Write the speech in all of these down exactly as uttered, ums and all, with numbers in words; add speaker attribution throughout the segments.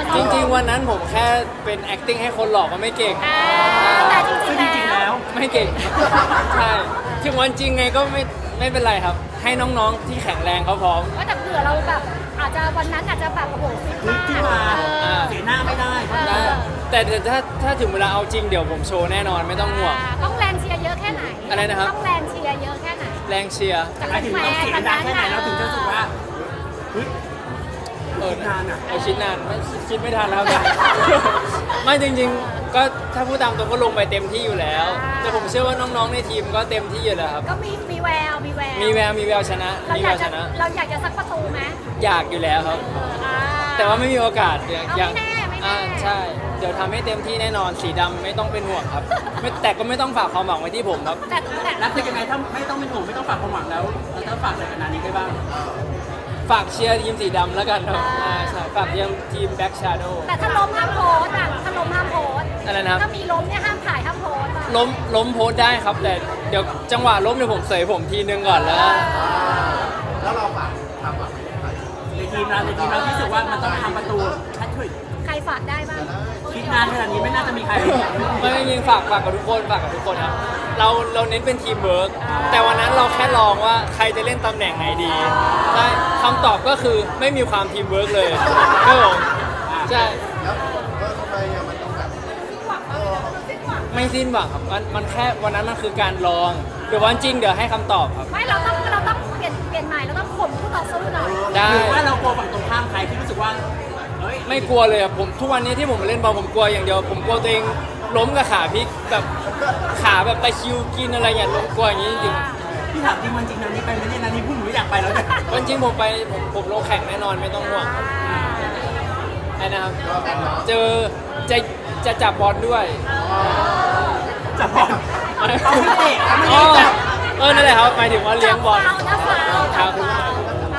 Speaker 1: จริงๆวันนั้นผมแค่เป็น acting ให้คนหลอกก็ไม่เก่ง
Speaker 2: แต่จ
Speaker 3: ซึ่งจ
Speaker 2: ริ
Speaker 3: ริ
Speaker 2: ง
Speaker 3: ง
Speaker 2: ๆ
Speaker 3: ๆ
Speaker 2: แล้
Speaker 3: แล้ว ว
Speaker 1: ไม่เก่งใช่ถึงวันจริงไงก็ไม่ไม่เป็นไรครับ ให้น้องๆที่แข็งแรงเขาพร้อม
Speaker 2: ว่าแต่เผื่อเราแบบอาจจะวันนั้นอาจจะแบบโอ้โหฟิต
Speaker 3: ลุ
Speaker 2: มาก
Speaker 3: ขึ้นมา
Speaker 2: เออ
Speaker 3: เสียหน้าไม่ได้
Speaker 2: เออ
Speaker 1: ได้แต่แต่ถ้าถ้าถึงเวลาเอาจริงเดี๋ยวผมโชว์แน่นอนไม่ต้องห่วง
Speaker 2: ต้องแรงเชียร์เยอะแค่ไหน
Speaker 1: อะไรนะครับ
Speaker 2: ต้องแรงเชียร์เยอะแค่ไหน
Speaker 1: แรงเชียร์
Speaker 2: จาก
Speaker 3: หมายถึงต้องเสียงดังแค่ไหนเราถึงจะรู้สึกว่าเฮ้ย
Speaker 1: เออ
Speaker 3: คิดนานอะ
Speaker 1: เออคิดนานไม่คิดไม่ทันแล้วครับ ไม่จริงๆ ก็ถ้าพูดตามตรงก็ลงไปเต็มที่อยู่แล้ว แต่ผมเชื่อว่าน้องๆในทีมก็เต็มที่อยู่แล้วครับ
Speaker 2: ก็มีมีแววมีแวว
Speaker 1: มีแววมีแววชนะ
Speaker 2: เรา
Speaker 1: มี
Speaker 2: อ
Speaker 1: แวย
Speaker 2: าก
Speaker 1: วช
Speaker 2: จะ
Speaker 1: นะ
Speaker 2: เราอยากจะสักประตูไหม
Speaker 1: อยากอยู่แล้วครับ
Speaker 2: เอออ่า
Speaker 1: แต่ว่าไม่มีโอกาสอยาก
Speaker 2: เอา
Speaker 1: อยาก
Speaker 2: ไม่แน่ไม่แน่
Speaker 1: อ่าใช่ เดี๋ยวทำให้เต็มที่แน่นอนสีดำไม่ต้องเป็นห่วงครับไม่แต่ก็ไม่ต้องฝากความหวังไว้ที่ผมครับ
Speaker 2: แต่แต่
Speaker 3: แล้วคือยังไงถ้าไม่ต้องเป็นห่วงไม่ต้องฝากความหวังแล้วเราจะฝากอะไรกับนานี้ได้บ้าง
Speaker 1: ฝากเชียร์ทีมสีดำแล้วกันครับอ่าใช่ฝากเชียร์ทีมแบ็กชาโดว์
Speaker 2: แต่ถ้าล้มห้ามโพสต์อ่ะถ้าล้มห้ามโพสต์
Speaker 1: อะไรนะครับ
Speaker 2: ถ้ามีล้มเนี่ยห้ามถ่ายห้ามโพสต์อ่ะ
Speaker 1: ล้มล้มโพสต์ได้ครับ แต่เดี๋ยวจังหวะล้มเดี๋ยวผมเสยผมทีนึงก่อนแล้ว
Speaker 4: แล้วเราฝากทำแบบ
Speaker 3: ในทีมเราในทีมเราที่รู้สึกว่ามันต้องทำประตูแฮตทริก
Speaker 2: ใครฝากได้บ้าง
Speaker 3: คิดนานขนาดนี้ไม่น่าจะมีใคร
Speaker 1: ไม่ไม่ยิงฝากฝากกับทุกคนฝากกับทุกคนครับเราเราเน้นเป็นทีมเวิร์กแต่วันนั้นเราแค่ลองว่าใครจะเล่นตำแหน่งไหนดีใช่คำตอบก็คือไม่มีความทีมเวิร์กเลยครับผมใช่
Speaker 4: แล้วเออทำไมอะมันต้องแบบเออ
Speaker 1: ไม่สิ้นหวังครับมันมันแค่วันนั้นมันคือการลองเดี๋ยววันจริงเดี๋ยวให้คำตอบครับ
Speaker 2: ไม่เราต้องเราต้องเปลี่ยนเปลี่ยนใหม่เราต้องข่มคู่ต่อสู้หน่อย
Speaker 1: ได้
Speaker 3: หรือว่าเรากลัวฝั่งตรงข้ามใครที่รู้สึกว่าเฮ้ย
Speaker 1: ไม่กลัวเลยครับผมทุกวันนี้ที่ผมมาเล่นบอลผมกลัวอย่างเดียวผมกลัวตัวเองล้มกับขาพลิกแบบขาแบบตะคริวกินอะไรอย่างเงี้ยล้มกลัวอย่างนี้จริง
Speaker 3: พี่ถามจริงวันจริงนานี้ไปไหมเนี่ยนานี้พูดหนูอยากไปแล้วเนี่ย
Speaker 1: ๆวันจริงผมไปผมผมลงแข่งแน่นอนไม่ต้องห่วงครับไอ้นะครับเจอจะจะจับบอลด้วย
Speaker 3: จับบอลเอาไม่เตะเอาไม่
Speaker 1: อ๋อ
Speaker 3: ได้จับ
Speaker 1: เออนั่นแหละครับหมายถึงว่าเลี้ยงบอล
Speaker 2: จับฟาวนะฟาว
Speaker 1: ครับ
Speaker 2: จับฟาว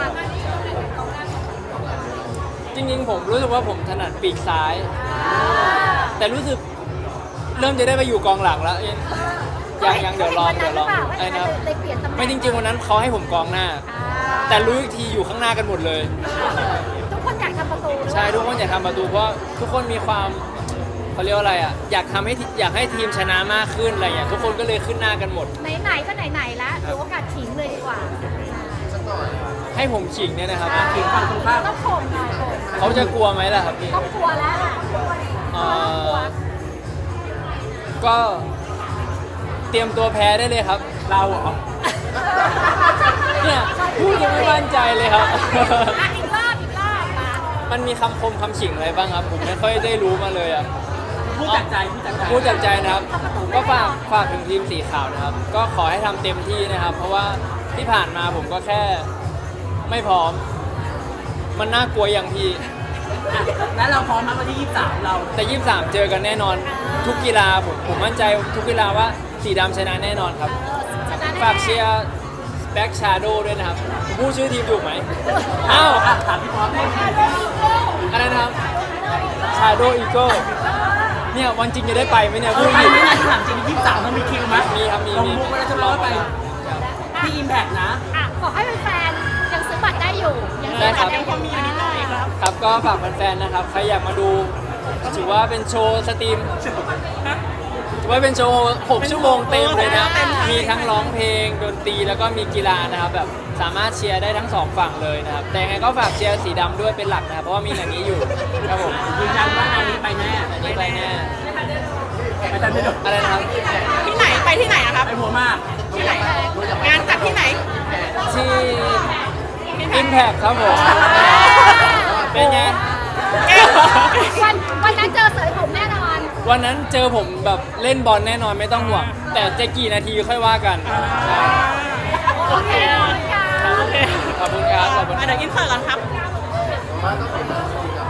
Speaker 1: จริงๆผมรู้สึกว่าผมถนัดปีกซ้าย แต่รู้สึกเริ่มจะได้ไปอยู่กองหลังแล้วยังยังเดี๋ยวรอเดี๋ยวรอไอ้นะครับ
Speaker 2: เลยเปลี่ยนตำแหน่ง
Speaker 1: ไม่จริงๆวันนั้นเขาให้ผมกองหน้า
Speaker 2: อ่า
Speaker 1: แต่รู้อีกทีอยู่ข้างหน้ากันหมดเลย
Speaker 2: ทุกคนอยากทำประตูด้วย
Speaker 1: ใช่ทุกคนอยากทำประตูเพราะทุกคนมีความเขาเรียกว่าอะไรอ่ะอยากทำให้ทีอยากให้ทีมชนะมากขึ้นอะไรอย่างเงี้ยทุกคนก็เลยขึ้นหน้ากันหมด
Speaker 2: ไหนๆก็ไหนๆแล้วถือโอกาสขิงเลยดีกว่า
Speaker 1: ให้ผมขิงเนี่ยนะครับ
Speaker 3: ทีมฝั่งตรงข้าม
Speaker 2: ต้องข่มหน่อยข่ม
Speaker 1: เขาจะกลัวไหมล่ะครับพี่
Speaker 2: ต้องกลัวแล้วอ่ะ
Speaker 1: เอ่
Speaker 2: ต้องกลั
Speaker 1: อ
Speaker 2: ว
Speaker 1: ก็เตรียมตัวแพ้ได้เลยครับ
Speaker 3: เราเหรอ
Speaker 1: เนี่ยพูดยังไม่มั่นใจเลยครับ
Speaker 2: อ่ะอีกรอบอีกรอบมา
Speaker 1: มันมีคำคมคำขิงอะไรบ้างครับ ผมไม่ค่อยได้รู้มาเลยอ่ะ
Speaker 3: พูดจากใจพูดจากใจ
Speaker 1: พูดจากใจนะครับ ก็ฝากฝากถึงทีมสีขาวนะครับ ก็ขอให้ทำเต็มที่นะครับ เพราะว่าที่ผ่านมาผมก็แค่ไม่พร้อม มันน่ากลัวอย่างพี่
Speaker 3: อ่ะแล้วเราพร้อมมาวันที่ยี่สิบสามเรา
Speaker 1: แต่ยี่สิบสามเจอกันแน่นอน ทุกกีฬาผมผมมั่นใจทุกกีฬาว่าสีดำชนะแน่นอนครับ
Speaker 2: ชนะแน่
Speaker 1: ฝากเชียร์แบ็กชาโดด้วยนะครับผมพูดชื่อทีมถูกไหมอ้าว
Speaker 3: อ่ะถามพี่พร้อมได้ไหม
Speaker 1: อะไรนะครับชาโดอีโก้เนี่ยวันจริงจะได้ไปไหมเนี่ย
Speaker 3: เอ
Speaker 1: พู
Speaker 3: อ
Speaker 1: ด
Speaker 3: ไป
Speaker 1: ผิด
Speaker 3: ไม่นานถามจริงยี่สิบสามมันมีคิวไหม
Speaker 1: มีครับมี
Speaker 3: ลง
Speaker 1: มี
Speaker 3: มุกไว้แล้วจะรอไปที่อิมแพกนะ
Speaker 2: อ่ะขอให้แฟนๆยังซื้อบัตรได้อยู่ ยังซื้อบัตรได้อยู่มีนิดหน่อยครับ
Speaker 1: ครับก็ฝากแฟนๆนะครับใครอยากมาดูถือว่าเป็นโชว์สตรีมถือว่าเป็นโชว์หกชั่วโมงเต็มเลยนะมีทั้งร้องเพลงดนตรีแล้วก็มีกีฬานะครับแบบสามารถเชียร์ได้ทั้งสองฝั่งเลยนะครับแต่ยังไงก็ฝากเชียร์สีดำด้วยเป็นหลักนะครับเพราะว่ามีอย่างนี้อยู่ครับผม
Speaker 3: ยืนยันว่านานี้ไปแน่
Speaker 1: อันนี้ไปแน่
Speaker 3: ไปทันไม่โดน
Speaker 1: อะไรนะครับ
Speaker 5: ที่ไหนไปที่ไหนอะครับ
Speaker 3: ไปหัวมาก
Speaker 5: ที่ไหนงานจัดที่ไหน
Speaker 1: ที่ Impact ครับผมเป็นไง
Speaker 2: วันวันนั้นเจอเสยผมแน่นอน
Speaker 1: วันนั้นเจอผมแบบเล่นบอลแน่นอนไม่ต้องห่วง แต่จะกี่นาทีค่อยว่ากัน
Speaker 2: โอเคขอบคุณค่ะ
Speaker 1: ขอบคุณครับขอบคุณค
Speaker 5: อ่ะ
Speaker 1: รับ
Speaker 5: เดี๋ยวอินเสิร์ตก่อนครับ
Speaker 4: มาต้องเป็นแบบ